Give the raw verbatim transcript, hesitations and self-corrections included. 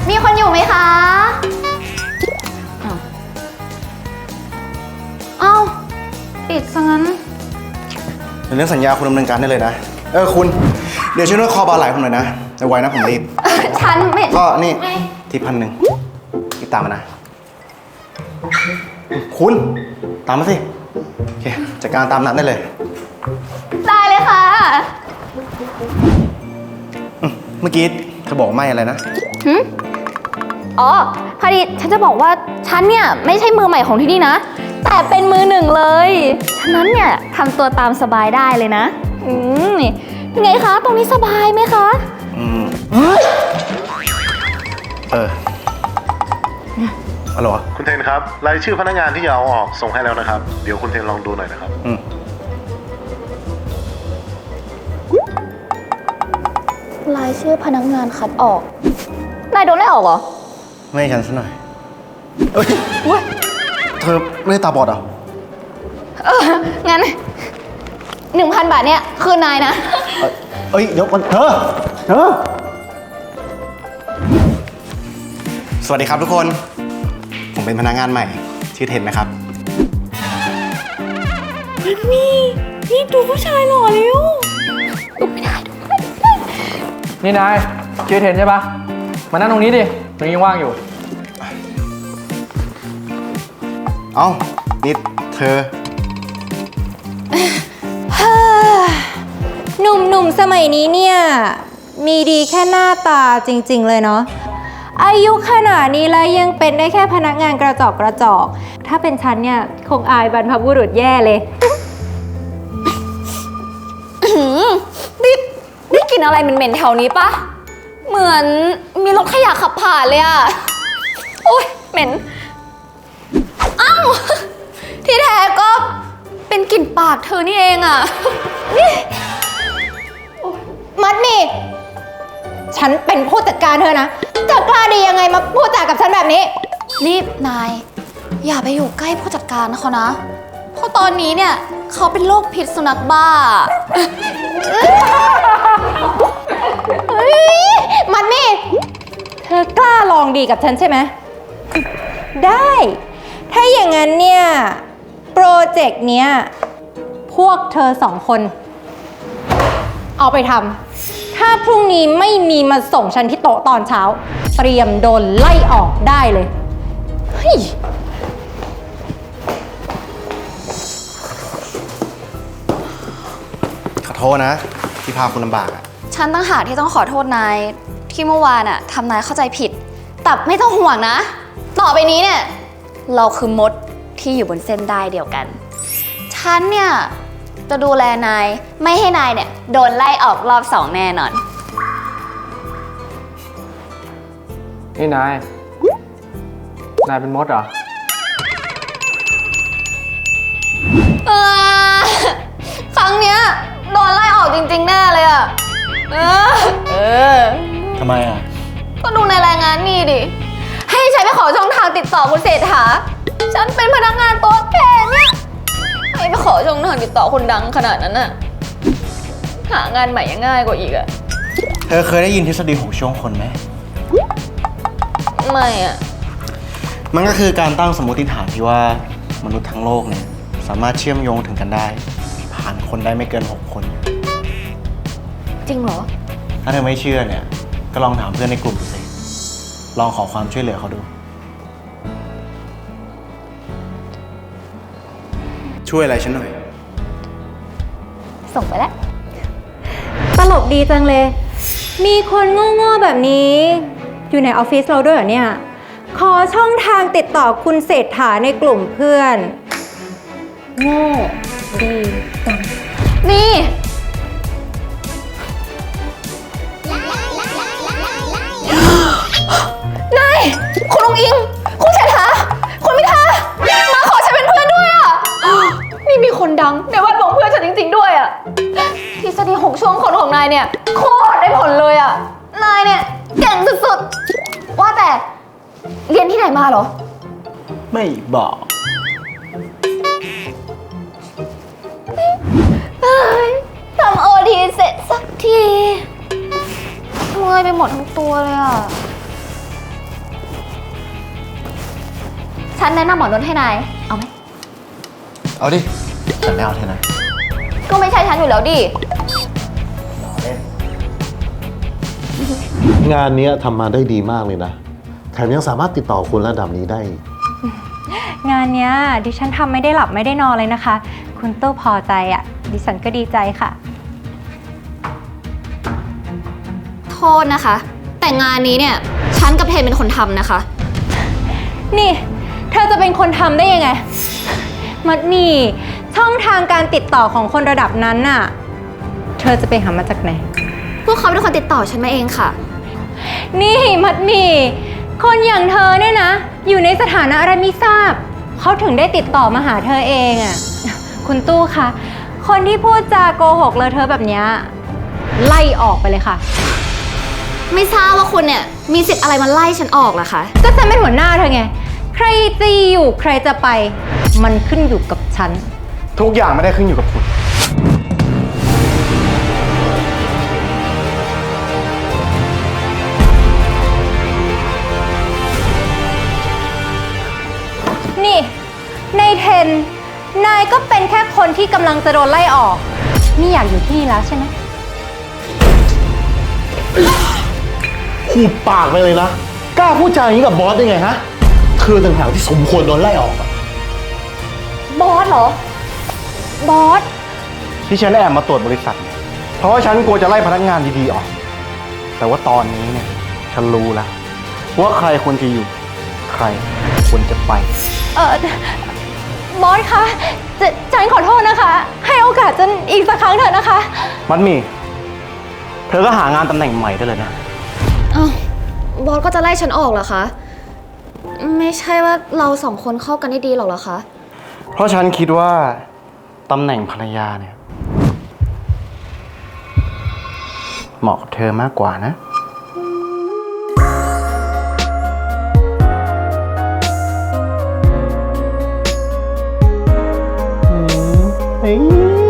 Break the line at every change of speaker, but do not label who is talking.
มีคนอยู่ไหมคะเอ้าปิดซะงั้น
เรื่องสัญญาคุณดำเนินการได้เลยนะเออคุณเดี๋ยวช่วยนวดคอบาไหล่ผมหน่อยนะไวๆนะผมรีบ
ฉันไม่
ก็นี่ที่พันหนึ่งติดตามมานะคุณตามมาสิโอเคจัดการตามนัดได้เลย
ได้เลยค่ะ
เมื่อกี้เธอบอกไม่อะไรนะ
หืมอ๋อพอดีฉันจะบอกว่าฉันเนี่ยไม่ใช่มือใหม่ของที่นี่นะแต่เป็นมือหนึ่งเลยฉะนั้นเนี่ยทำตัวตามสบายได้เลยนะอืมไงคะตรงนี้สบายไหมคะ
อืมเออฮัลโหล
คุณเทนครับรายชื่อพนักงานที่จะเอาออกส่งให้แล้วนะครับเดี๋ยวคุณเทนลองดูหน่อยนะครับ
อืม
รายชื่อพนักงานคัดออกนายโดนไล่ออกเหรอ
ไม่ให้ฉันซะหน่อยเอ้ยเธอไม่ได้ตาบอดเหรอ
เอองั้นหนึ่งพันบาทเนี่ยคืนนายนะ
เอ้ยเดี๋ยวก่อนเธอเธอสวัสดีครับทุกคนผมเป็นพนักงานใหม่ชื่อเทนนะครับ
มันมีนี่ดูผู้ชายหล่อเร็วดูไม่ได้ดูไม่ได้
นี่นายชื่อเทนใช่ปะมานั่งตรงนี้ดิตรงนี้ว่างอยู่
เอ้านี่เธอ
หนุ่มๆสมัยนี้เนี่ยมีดีแค่หน้าตาจริงๆเลยเนาะอายุขนาดนี้แล้วยังเป็นได้แค่พนักงานกระจอกกระจอกถ้าเป็นฉันเนี่ยคงอายบรรพบุรุษแย่เลย
นี่ได้กลิ่นอะไรเหม็นๆแถวนี้ปะเหมือนมีรถขยะขับผ่านเลยอะโอ๊ยเหม็นอ้าวที่แท้ก็เป็นกลิ่นปากเธอนี่เองอะ
มัดนี่ฉันเป็นผู้จัดการเธอนะเธอกล้าดียังไงมาพูดจากับฉันแบบนี้
นี่นายอย่าไปอยู่ใกล้ผู้จัดการเขานะเพราะตอนนี้เนี่ยเขาเป็นโรคพิษสุนัขบ้า
มัดนี่เธอกล้าลองดีกับฉันใช่ไหมได้ถ้าอย่างนั้นเนี่ยโปรเจกต์เนี้ยพวกเธอสองคนเอาไปทำถ้าพรุ่งนี้ไม่มีมาส่งฉันที่โต๊ะตอนเช้าเตรียมโดนไล่ออกได้เลยเฮ้ย
ขอโทษนะที่พาคุณลำบากอ่ะ
ฉันตั้งหากที่ต้องขอโทษนายที่เมื่อวานอ่ะทำนายเข้าใจผิดแต่ไม่ต้องห่วงนะต่อไปนี้เนี่ยเราคือมดที่อยู่บนเส้นได้เดียวกันฉันเนี่ยจะดูแลนายไม่ให้นายเนี่ยโดนไล่ออกรอบสองแน่นอน
นี่นายนายเป็นมดเหรอ
ครั้งเนี้ยโดนไล่ออกจริงๆแน่เลยอ่ะเออเออ
ทำไมอ่ะ
ก็ดูในรายงานนี่ดิให้ใช้ไปขอช่องทางติดต่อคุณเศรษฐาฉันเป็นพนักงานโต๊ะแค่เนี่ยให้ไปขอช่องทางติดต่อคนดังขนาดนั้นน่ะหางานใหม่ยังง่ายกว่าอีกอะ
เธอเคยได้ยินทฤษฎีหกช่วงคนไหม
ไม่อะ
มันก็คือการตั้งสมมติฐานที่ว่ามนุษย์ทั้งโลกเนี่ยสามารถเชื่อมโยงถึงกันได้ผ่านคนได้ไม่เกินหกคน
จริงเหรอ
ถ้าเธอไม่เชื่อเนี่ยก็ลองถามเพื่อนในกลุ่มดูสิลองขอความช่วยเหลือเขาดูช่วยอะไรฉันหน่อย
ส่งไปแล้ว
ตลกดีจังเลยมีคนโง่ๆแบบนี้อยู่ในออฟฟิศเราด้วยเหรอเนี่ยขอช่องทางติดต่อคุณเศรษฐาในกลุ่มเพื่อนโง่ดีจัง
นี่นายคุณองอิงคุณเศรษฐาคุณพิธามาขอฉันเป็นเพื่อนด้วยอ่ะนี่มีคนดังในแวดวงเพื่อนฉันจริงๆด้วยอ่ะทฤษฎีหกช่วงคนของนายเนี่ยโคตรได้ผลเลยอ่ะนายเนี่ยเก่งสุดๆว่าแต่เรียนที่ไหนมาเหรอ
ไม่บอก
ทำโอทีเสร็จสักทีเมื่อยไปหมดทั้งตัวเลยอ่ะฉันแนะนำหมอนวดให้นาย เอาไหม
เอาดิแต่ไม่เอาเท่านั้น
ก็ไม่ใช่ฉันอยู่แล้วดิ
งานเนี้ยทำมาได้ดีมากเลยนะ แถมยังสามารถติดต่อคนระดับนี้ได้อีก
งานเนี้ยดิฉันทำไม่ได้หลับไม่ได้นอนเลยนะคะ คุณตู้พอใจอะ่ะ ดิฉันก็ดีใจค่ะ
โทษนะคะ แต่งานนี้เนี่ย ฉันกับเทนเป็นคนทำนะคะ
นี่ เธอจะเป็นคนทำได้ยังไง มัดหมี่ช่องทางการติดต่อของคนระดับนั้นน่ะ เธอจะไปหามาจากไหน
พวกเขาเป็นคนติดต่อฉันมาเองค่ะ
นี่มัดหมี่คนอย่างเธอเนี่ยนะ อยู่ในสถานะอะไรไม่ทราบ เขาถึงได้ติดต่อมาหาเธอเองอะ่ะ คุณตู้คะคนที่พูดจาโกหกเลอะเธอะแบบเนี้ยไล่ออกไปเลยค่ะ
ไม่ทราบว่าคุณเนี่ย มีสิทธิ์อะไรมาไล่ฉันออกล่ะคะ
ก็ฉันเป็นหัวหน้าเธอไง ใครจะอยู่ใครจะไป มันขึ้นอยู่กับฉัน
ทุกอย่างไม่ได้ขึ้นอยู่กับคุณ
นี่ในเทน นายก็เป็นแค่คนที่กำลังจะโดนไล่ออก นี่อยากอยู่ที่นี่แล้วใช่ไหม
พูดปากไปเลยนะ กล้าพูดจาอย่างนี้กับบอสได้ไงฮะเธอต่างหากที่สมควรโดนไล่ออกอะ
บอสเหรอ
บอส
ที่ฉันแอบมาตรวจบริษัทเนี่ยเพราะว่าฉันกลัวจะไล่พนักงานดีๆออก แต่ว่าตอนนี้เนี่ย ฉันรู้แล้วว่าใครควรจะอยู่ ใครควรจะไป
เออบอสคะจะฉันขอโทษนะคะ ให้โอกาสฉันอีกสักครั้งเถอะนะคะ
มันมี เธอก็หางานตำแหน่งใหม่ได้เลยนะ
อ้าวบอสก็จะไล่ฉันออกเหรอคะ ไม่ใช่ว่าเราสองคนเข้ากันได้ดีหรอกเหรอคะ
เพราะฉันคิดว่าตำแหน่งภรรยาเนี่ย เหมาะกับเธอมากกว่านะ
เฮ้ย